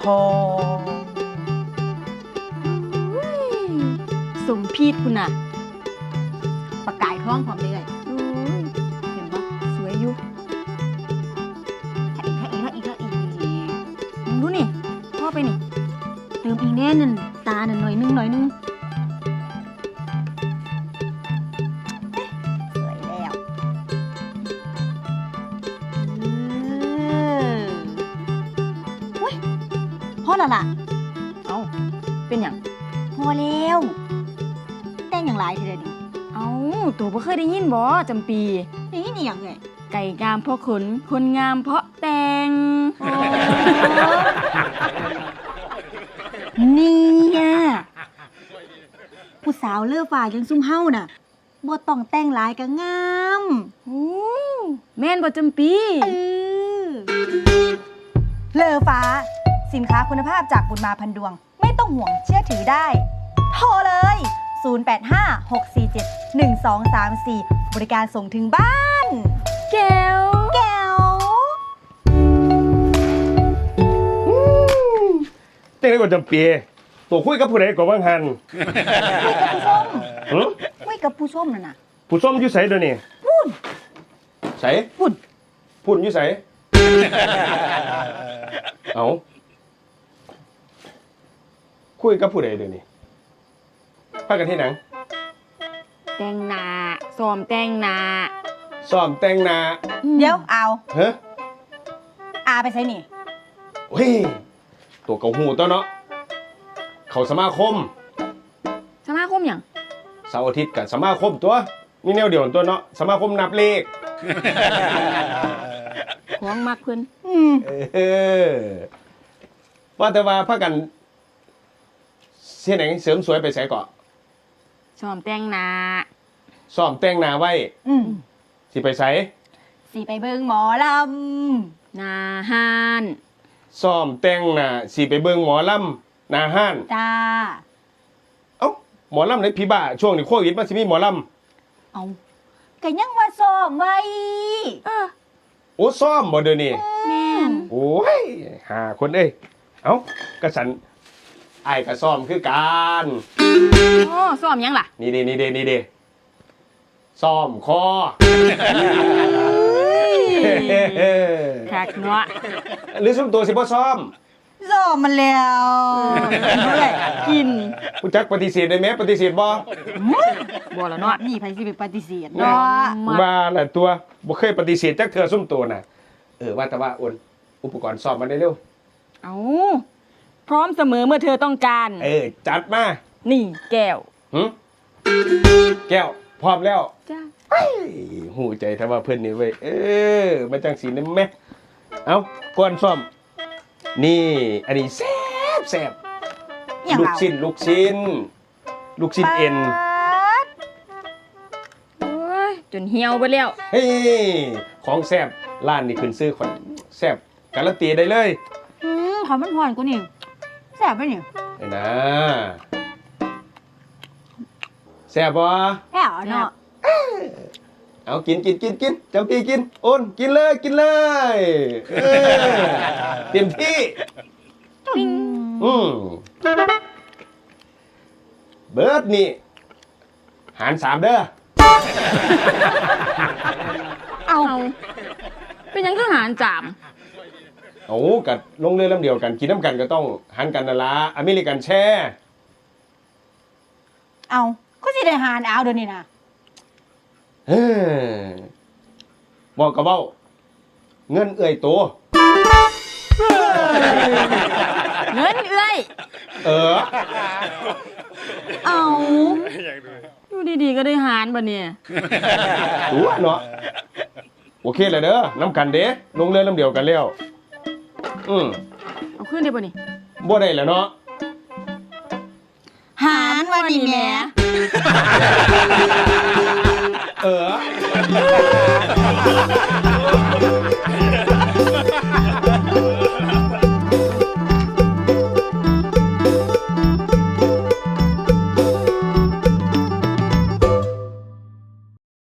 องสมพีดคุณน่ะประกายท้องพร้อมเลยเห็นปะสวยอยู่ถ้าอีกดูนี่พ่อไปนี่เติมอีกแน่นั่นตาหน่อยนึงสวยแล้วพอแล้วล่ะเอ้าเป็นอย่างพอแล้วแต่งอย่างไรทีเดียวดิเอ้าตัวบ่เคยได้ยินบ่จำปีนี่อย่างไงไก่งามเพราะขนคนงามเพราะแต่งเนี่ยผู้สาวเลือฝ่ายังซุ่มเฮาน่ะบ่ต้องแต่งหลายก็งามโอ้แม่นบ่จำปีเลอฟ้าสินค้าคุณภาพจากบุญมาพันดวงไม่ต้องห่วงเชื่อถือได้โทรเลย 0856471234 บริการส่งถึงบ้านแก้วเต้นได้ก่อนจำปีตัวคุยกับผู้ใดก่อนบ้างหันคุยกับผู้ชมน่ะนะผู้ส้มอยู่ไสเดี๋ยวนี้พุ่นไสพุ่นอยู่ไสเอาคุยกับผู้ใดเดี๋ยวนี้พากันที่หนังแต่งหน้าซ้อมแต่งหน้าซ้อมแต่งหน้าเดี๋ยวเอาเฮ้ออาไปใส่นี่เฮ้ยตัวเก่าหูตัวเนาะเขาสมาคมสมาคมหยังเสาร์อาทิตย์กับสมาคมตัวมีแนวเดียวตัวเนาะสมาคมนับเลขของมักเพิ่นเออว่าแต่ว่าพากันเสียไหนเสริมสวยไปใส่เกาะซ้อมแต่งหน้าซ้อมแต่งหน้าไว้สิไปใส่สิไปเบิ่งหมอลหน้าห้านซ้อมแต่งหน้าสิไปเบิ่งหมอลำหน้าห้านำจ้าเอ้าหมอลำในพี่บ้าช่วงนี้โควิดมันสิมีหมอลเอาก็ยังว่าซ้อมไว้ำโอ้ซ้อมบ่เดี๋ยวนี้แม่นโอ้ยหาคนเอ้ยเอ้ากระสันไอ้ายกระซ้อมคือการโอ้ซ้อมหยังล่ะนี่เด้ซ้อมคอคักเนาะหรือซุ่มตัวสิบ่ซ้อมซ้อมมันแล้วเมื่อยกินผู้จักปฏิเสธได้ไหมปฏิเสธบ่บ่ละเนาะนี่ไผสิไปปฏิเสธเนาะเนาะว่าแหละตัวบ่เคยปฏิเสธจักเทื่อซุ่มตัวน่ะว่าแต่ว่าโอนอุปกรณ์ซ้อมมาได้เร็วเอาพร้อมเสมอเมื่อเธอต้องการจัดมานี่แก้วหึแก้วพร้อมแล้วจ้าหูใจถ้าว่าเพิ่นนี่เว้ยมาจังสีนั่นแม่เอาก่อนซ้อมนี่อันนี้แซ่บอย่างลูกเราชิ้นเอ็นโอ้ยจนเหี่ยวไปแล้วเฮ้ยของแซ่บร้านนี่ขึ้นซื้อคนแซ่บการันตีได้เลยขอมันหวานกว่านี่แซ่บไหมนี่ไอ้นะแซ่บบ่แซ่บเนาะเอากินเจ้าพี่กินโอนกินเลยเต็มที่ปิ้งเบิร์ดนี่หาร3เด้อเอาเป็นหยังคือหารจามเอากัดลงเรือลำเดียวกันกินน้ำกันก็ต้องหันกันนั่นละอเมริกันแช่เอาก็สิได้หารเอาเดี๋ยวนี้นะบอกกับเบ้าเงินเอื่อยตัวเงินเอ้ยเอาอยู่ดีๆก็ได้หารบ่เนี่ยตัวเนาะโอเคเลยเด้อน้ำกันเด้ลงเรือลำเดียวกันแล้วเอาขึ้นได้บ่นี่บ่ได้แล้วเนาะหารวันนี้แหม่เออ